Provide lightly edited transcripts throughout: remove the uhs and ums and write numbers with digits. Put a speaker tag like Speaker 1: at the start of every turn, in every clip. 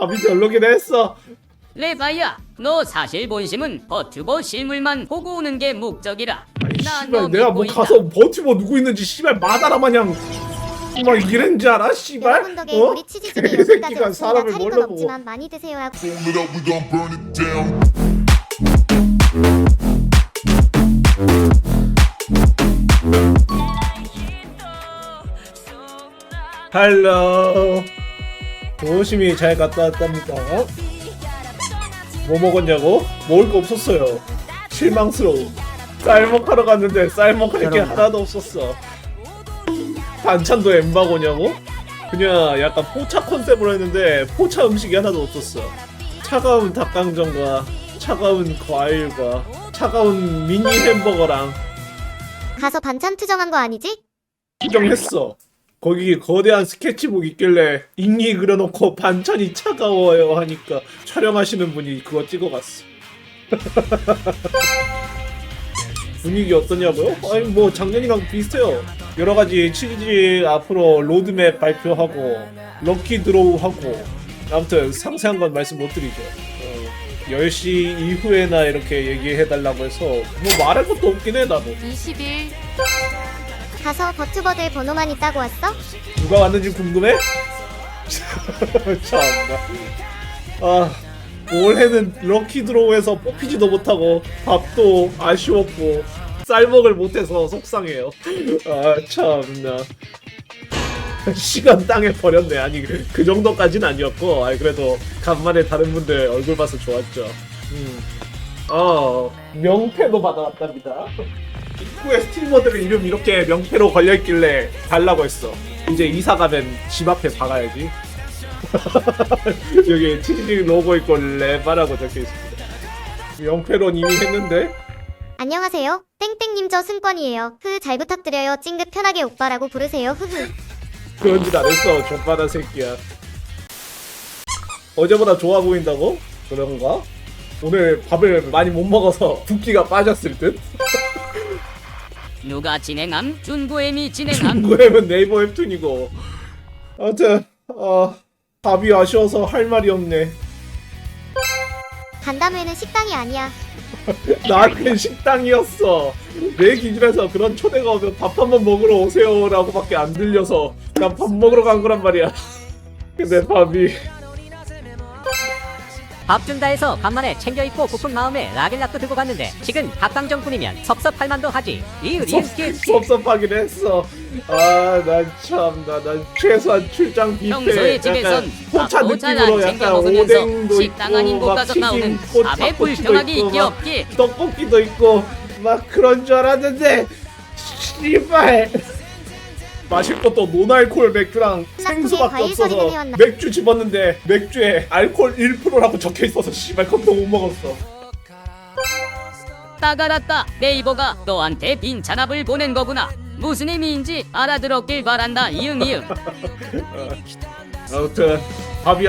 Speaker 1: 밥이 별로긴 했어.
Speaker 2: 레바야, 너 사실 본심은 버튜버 실물만 보고 오는 게 목적이라. 나 너
Speaker 1: 씨발 내가 뭐
Speaker 2: 믿고
Speaker 1: 가서 버티버 누구 있는지 씨발 마다라 마냥 막 이랬는지 알아? 씨발?
Speaker 3: 여러분 덕에 우리 치즈집이 여기까지
Speaker 1: 개새끼가
Speaker 3: 왔습니다.
Speaker 1: 사람을
Speaker 3: 차릴 건
Speaker 1: 뭘로 보고.
Speaker 3: 없지만 많이 드세요 하고.
Speaker 4: Fold it up, we gon' burn it down.
Speaker 1: 헬로. 조심히 잘 갔다 왔답니다. 뭐 먹었냐고? 먹을 거 없었어요. 실망스러워. 쌀먹하러 갔는데 쌀먹할 게 하나도 없었어. 반찬도 엠바고냐고? 그냥 약간 포차 컨셉으로 했는데 포차 음식이 하나도 없었어. 차가운 닭강정과 차가운 과일과 차가운 미니 햄버거랑
Speaker 3: 가서 반찬 투정한 거 아니지?
Speaker 1: 투정했어. 거기 거대한 스케치북 있길래 인기 그려놓고 반찬이 차가워요 하니까 촬영하시는 분이 그거 찍어갔어. 분위기 어떠냐고요? 아니 뭐 작년이랑 비슷해요. 여러가지 치즈 앞으로 로드맵 발표하고 럭키 드로우 하고 아무튼 상세한 건 말씀 못 드리죠. 10시 이후에나 이렇게 얘기해달라고 해서 뭐 말할 것도 없긴 해 나도.
Speaker 2: 20일.
Speaker 3: 가서 버튜버들 번호만 있다고 왔어?
Speaker 1: 누가 왔는지 궁금해? 참나. 아 올해는 럭키 드로우에서 뽑히지도 못하고 밥도 아쉬웠고 쌀먹을 못해서 속상해요. 아 참나. 시간 땅에 버렸네. 아니 그 정도까지는 아니었고 그래도 간만에 다른 분들 얼굴 봐서 좋았죠. 명패도 받아왔답니다. 입구에 스트리머들의 이름 이렇게 명패로 걸려있길래 달라고 했어. 이제 이사 가면 집 앞에 박아야지. 여기 치즈 로고 있고 레바라고 적혀있습니다. 명패론 이미 했는데.
Speaker 3: 안녕하세요. 땡땡님 저 승권이에요. 잘 부탁드려요. 찡긋 편하게 오빠라고 부르세요.
Speaker 1: 그런 짓 안 했어. 족바다 새끼야. 어제보다 좋아 보인다고? 그런가? 오늘 밥을 많이 못 먹어서 붓기가 빠졌을 듯?
Speaker 2: 누가 진행함? 준구엠이 진행함.
Speaker 1: 중고앱은 네이버 웹툰이고. 아무튼 밥이 아쉬워서 할 말이 없네.
Speaker 3: 간담회는 식당이 아니야.
Speaker 1: 나한텐 식당이었어. 내 기준에서 그런 초대가 오면 밥 한번 먹으러 오세요 라고 밖에 안 들려서 난 밥 먹으러 간 거란 말이야. 근데 밥이
Speaker 5: 밥 준다 해서 간만에 챙겨 입고 고픈 마음에 라겔락도 들고 갔는데 지금 닭강정뿐이면 섭섭할 만도 하지.
Speaker 1: 섭섭하긴 했어. 난 참나. 난 최소한 출장
Speaker 2: 평소에
Speaker 1: 뷔페
Speaker 2: 집에선
Speaker 1: 약간 포차
Speaker 2: 밥도 잘
Speaker 1: 느낌으로
Speaker 2: 안 챙겨
Speaker 1: 약간
Speaker 2: 먹으면서
Speaker 1: 오뎅도
Speaker 2: 식당 아닌
Speaker 1: 있고
Speaker 2: 곳
Speaker 1: 막
Speaker 2: 가서
Speaker 1: 튀김
Speaker 2: 나오는
Speaker 1: 꽃
Speaker 2: 밥에
Speaker 1: 닭꼬치도
Speaker 2: 불평하기
Speaker 1: 있고
Speaker 2: 있기
Speaker 1: 막
Speaker 2: 없기.
Speaker 1: 떡볶이도 있고 막 그런 줄 알았는데 씨발 마실 것도 노알콜 맥주랑 생수밖에
Speaker 3: 과일
Speaker 1: 없어서
Speaker 3: 소리는 해왔나?
Speaker 1: 맥주 집었는데 맥주에 알콜 1%라고 적혀있어서 씨발 그것도 못 먹었어.
Speaker 2: 따가랐다. 네이버가 너한테 빈 잔압을 보낸 거구나. 무슨 의미인지 알아들었길 바란다. 이응.
Speaker 1: 아무튼 밥이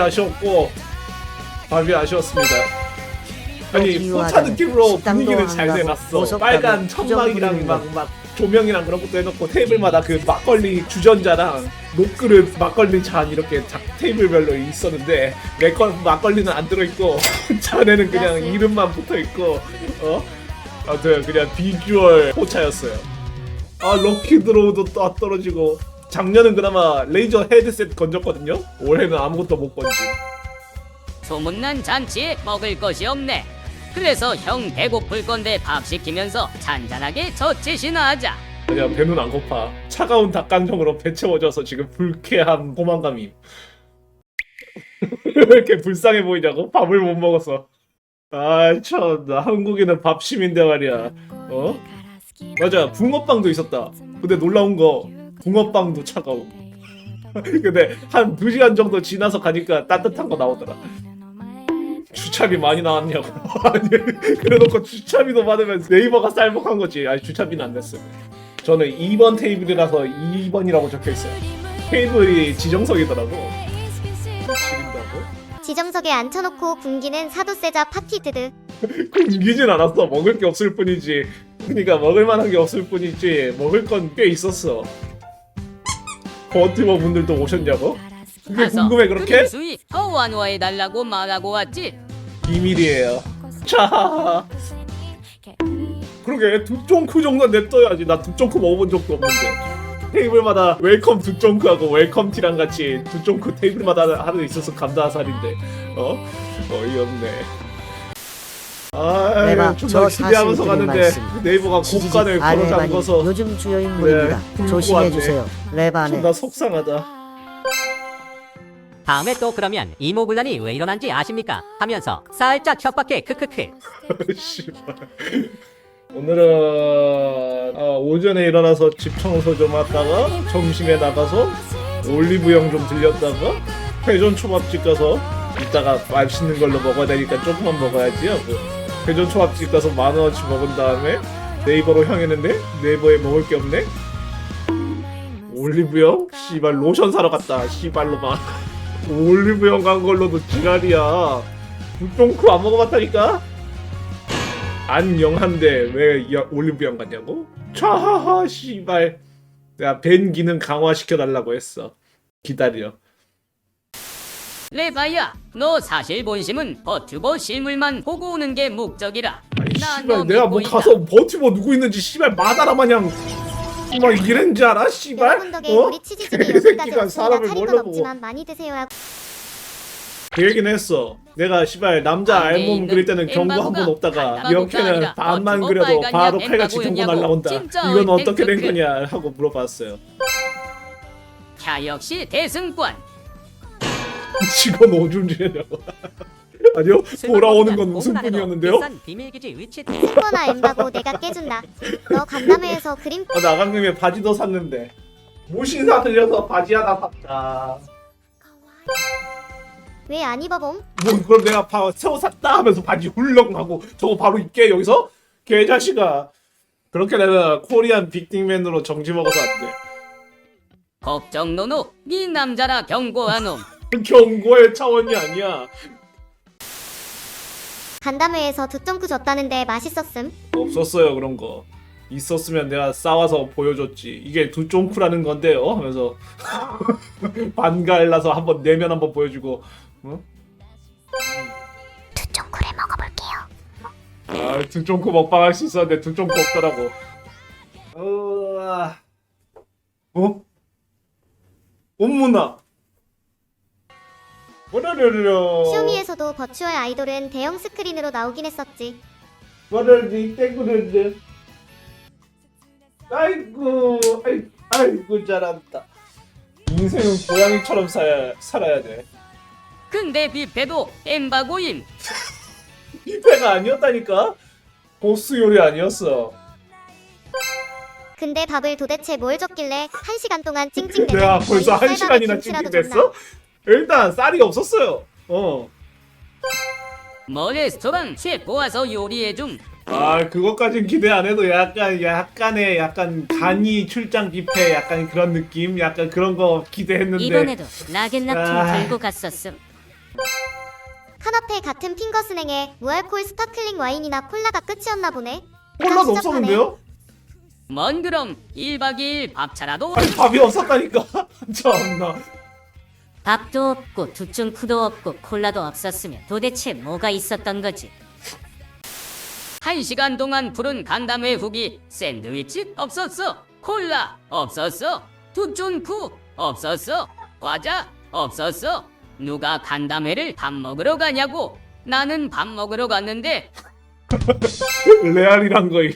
Speaker 1: 아쉬웠습니다. 아니 포차 느낌으로 분위기를 잘 내놨어. 빨간 천막이랑 막 조명이랑 그런 것도 해놓고 테이블마다 그 막걸리 주전자랑 녹그릇 막걸리 잔 이렇게 테이블별로 있었는데 내 건 막걸리는 안 들어있고 잔에는 그냥 이름만 붙어있고 아무튼 그냥 비주얼 포차였어요. 럭키 드로우도 떨어지고 작년은 그나마 레이저 헤드셋 건졌거든요. 올해는 아무것도 못 건지.
Speaker 2: 소문난 잔치에 먹을 것이 없네. 그래서 형 배고플 건데 밥 시키면서 잔잔하게 젖짓이나 하자.
Speaker 1: 아니야 배는 안 고파. 차가운 닭강정으로 배 채워져서 지금 불쾌한 포만감이. 왜 이렇게 불쌍해 보이냐고? 밥을 못 먹어서. 참나 한국인은 밥심인데 말이야. 맞아 붕어빵도 있었다. 근데 놀라운 거 붕어빵도 차가워. 근데 한 2시간 정도 지나서 가니까 따뜻한 거 나오더라. 주차비 많이 나왔냐고. 아니 그래놓고 주차비도 받으면 네이버가 쌀먹한 거지. 아니 주차비는 안 냈어요. 저는 2번 테이블이라서 2번이라고 적혀있어요. 테이블이 지정석이더라고. 지린다고?
Speaker 3: 지정석에 앉혀놓고 굶기는 사도세자 파티 드드.
Speaker 1: 굶기진 않았어. 먹을 게 없을 뿐이지. 그러니까 먹을 만한 게 없을 뿐이지 먹을 건 꽤 있었어. 버티버 분들도 오셨냐고? 그게
Speaker 2: 가서
Speaker 1: 궁금해 그렇게?
Speaker 2: 수위 더 완화해달라고 말하고 왔지.
Speaker 1: 비밀이에요. 자, 그러게 두쫑크 정도 냅둬야지. 나 두쫑크 먹어본 적도 없는데. 테이블마다 웰컴 두쫑크하고 웰컴 티랑 같이 두쫑크 테이블마다 하나 있어서 감다살인데 어이없네. 아,
Speaker 6: 내가
Speaker 1: 존나
Speaker 6: 저
Speaker 1: 기대하면서
Speaker 6: 사실
Speaker 1: 갔는데
Speaker 6: 말씀.
Speaker 1: 네이버가 고간을 걸어
Speaker 6: 아레반이
Speaker 1: 잠궈서
Speaker 6: 요즘 주요 인물입니다.
Speaker 1: 네,
Speaker 6: 조심해
Speaker 1: 불고
Speaker 6: 주세요. 레바네.
Speaker 1: 존나 속상하다.
Speaker 5: 다음에 또 그러면 이모군란이 왜 일어난지 아십니까? 하면서 살짝 협박해 크크크.
Speaker 1: 씨발. 오늘은 오전에 일어나서 집 청소 좀 하다가 점심에 나가서 올리브영 좀 들렸다가 회전 초밥집 가서 이따가 맛있는 걸로 먹어야 되니까 조금만 먹어야지 하고 회전 초밥집 가서 10,000원어치 먹은 다음에 네이버로 향했는데 네이버에 먹을 게 없네. 올리브영? 씨발 로션 사러 갔다. 씨발로 막 올리브영 간 걸로도 지랄이야. 불똥크 안 먹어봤다니까? 안영한데 왜 올리브영 갔냐고? 차하하 씨발. 내가 벤 기능 강화시켜달라고 했어. 기다려.
Speaker 2: 레바야, 너 사실 본심은 버튜버 실물만 보고 오는 게 목적이라.
Speaker 1: 아니
Speaker 2: 나
Speaker 1: 씨발
Speaker 2: 너
Speaker 1: 내가
Speaker 2: 믿고
Speaker 1: 뭐
Speaker 2: 있다.
Speaker 1: 가서 버티버 누구 있는지 씨발 마다라 마냥 막 이런 줄 알아? 씨발?
Speaker 3: 여러분 덕에 우리 치즈집이 여기까지
Speaker 1: 개새끼가
Speaker 3: 왔습니다.
Speaker 1: 사람을
Speaker 3: 차릴
Speaker 1: 뭘로
Speaker 3: 건 없지만 많이 드세요. 하고.
Speaker 1: 그 얘기는 했어. 내가 씨발 남자
Speaker 2: 안에
Speaker 1: 알몸
Speaker 2: 있는
Speaker 1: 그릴 때는 경고 한 번
Speaker 2: 엠바고가
Speaker 1: 없다가
Speaker 2: 엠바고가
Speaker 1: 이렇게는
Speaker 2: 아니라
Speaker 1: 반만
Speaker 2: 버튜버
Speaker 1: 그려도
Speaker 2: 빨간이야,
Speaker 1: 바로 칼같이 경고
Speaker 2: 엠바고였냐고.
Speaker 1: 날라온다.
Speaker 2: 진짜
Speaker 1: 이건 어떻게 된
Speaker 2: 땡크크.
Speaker 1: 거냐 하고 물어봤어요.
Speaker 2: 야, 역시 대승권.
Speaker 1: 직원 오줌지냐고. 아니요, 돌아오는 건 웃음뿐이었는데요.
Speaker 5: 비싼 비밀기지 위치.
Speaker 3: 스코나 엠바고 내가 깨준다. 너 간담회에서 그림
Speaker 1: 나간 김에 바지도 샀는데 모신사 들려서 바지 하나 샀다.
Speaker 3: 왜 안 입어봄?
Speaker 1: 뭐 그럼 내가 새우 샀다 하면서 바지 훌렁하고 저거 바로 입게 여기서? 개자식아. 그렇게 내가 코리안 빅딩맨으로 정지 먹어서 안 돼.
Speaker 2: 걱정 노노, 네 남자라 경고한 놈.
Speaker 1: 경고의 차원이 아니야.
Speaker 3: 간담회에서 두쫑크 줬다는데 맛있었음.
Speaker 1: 없었어요 그런 거. 있었으면 내가 싸와서 보여줬지. 이게 두쫑쿠라는 건데요 하면서 반갈라서 한번 내면 한번 보여주고. 응?
Speaker 3: 두쫑크를 먹어볼게요.
Speaker 1: 아 두쫑쿠 먹방 할 수 있었는데 두쫑쿠 없더라고. 엄문아. 뭐라려려.
Speaker 3: 쇼미에서도 버추얼 아이돌은 대형 스크린으로 나오긴 했었지.
Speaker 1: 뭐라리 떼구르르. 아이고 아이고 잘한다. 인생은 고양이처럼 살아야 돼.
Speaker 2: 근데 뷔페도 엠바고임.
Speaker 1: 뷔페가 아니었다니까? 보스 요리 아니었어.
Speaker 3: 근데 밥을 도대체 뭘 줬길래 1시간 동안 찡찡대면
Speaker 1: 내가 벌써
Speaker 3: 거의
Speaker 1: 1시간이나
Speaker 3: 쌀밥에 김치라도
Speaker 1: 찡찡댔어?
Speaker 3: 줬나?
Speaker 1: 일단 쌀이 없었어요.
Speaker 2: 뭐 레스토랑 셰프 와서 요리해줌.
Speaker 1: 아 그것까진 기대 안 해도 약간의 간이 출장 뷔페 약간 그런 느낌? 약간 그런 거 기대했는데
Speaker 2: 이번에도 락앤락통
Speaker 1: 아.
Speaker 2: 들고 갔었음.
Speaker 3: 카나페 같은 핑거스냉에 무알콜 스파클링 와인이나 콜라가 끝이었나 보네.
Speaker 1: 콜라도
Speaker 3: 다 시작하네.
Speaker 1: 없었는데요?
Speaker 2: 뭔 그럼 1박 2일 밥차라도.
Speaker 1: 아니 밥이 없었다니까. 참나.
Speaker 2: 밥도 없고 두충쿠도 없고 콜라도 없었으면 도대체 뭐가 있었던 거지? 1시간 동안 부른 간담회 후기 샌드위치 없었어. 콜라 없었어. 두충쿠 없었어. 과자 없었어. 누가 간담회를 밥 먹으러 가냐고. 나는 밥 먹으러 갔는데.
Speaker 1: 레알이란 거임.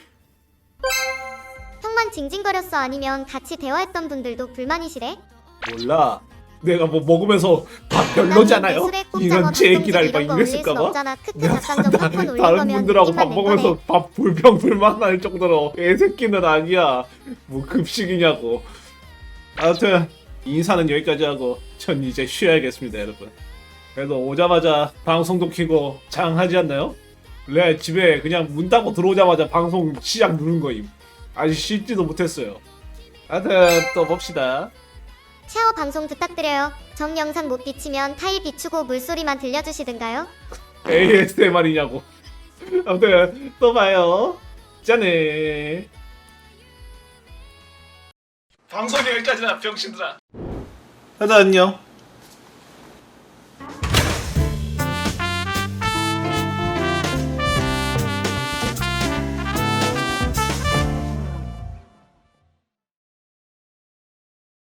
Speaker 3: 형만 징징거렸어 아니면 같이 대화했던 분들도 불만이시래?
Speaker 1: 몰라. 내가 뭐 먹으면서 밥 별로잖아요.
Speaker 3: 술에 꼽자고
Speaker 1: 이런 제 얘기를
Speaker 3: 이런
Speaker 1: 막
Speaker 3: 거 올릴 순
Speaker 1: 이랬을까봐.
Speaker 3: 없잖아. 크크 닭강정 팝콘 올릴
Speaker 1: 다른
Speaker 3: 거면
Speaker 1: 분들하고
Speaker 3: 느낌만
Speaker 1: 밥
Speaker 3: 낼
Speaker 1: 먹으면서
Speaker 3: 거네.
Speaker 1: 밥 불평불만 날 정도로 애새끼는 아니야. 뭐 급식이냐고. 아무튼 인사는 여기까지 하고 전 이제 쉬어야겠습니다 여러분. 그래도 오자마자 방송도 켜고 장하지 않나요? 레알 집에 그냥 문 닫고 들어오자마자 방송 시작 누른 거임. 아직 씻지도 못했어요. 하여튼 또 봅시다.
Speaker 3: 샤워 방송 부탁드려요. 정 영상 못 비치면 타일 비추고 물소리만 들려주시든가요?
Speaker 1: ASMR이냐고. 아무튼 또 봐요. 짠해. 방송이 여기까지나 병신들아. 하자 안녕.